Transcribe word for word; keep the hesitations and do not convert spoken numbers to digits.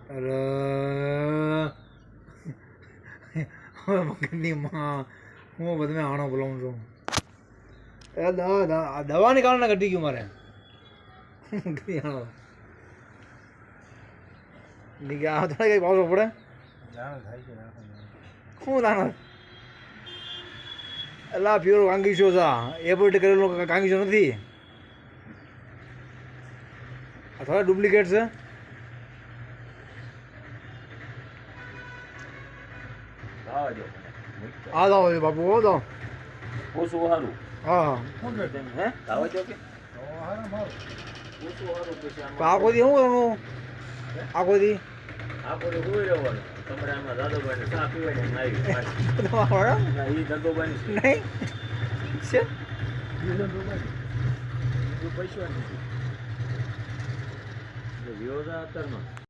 અરે હવે મગજની માં હું બધું આણો બોલાવું છું એ દવા દવાની કારણે ઘટી ગયું મારે આણો આ થોડા કઈ પાવસો પડે શું દાણો એલા પ્યોર કાંગીશો છે એપોર્ટ કરેલો કાંગીશો નથી આ થોડા ડુપ્લિકેટ છે હા દાવો બાપુ હો દો ઓછું સારું હા હે આવો છો કે આખો દી શું કરવાનું આખો દી આખો દી હોઈ રહેવાનું તમારે આમાં દાદોભાઈ ચા પીવાની આવી ના એ દાદોભાઈ નહીં છે પૈસા નથી વિરોધા અત્યારમાં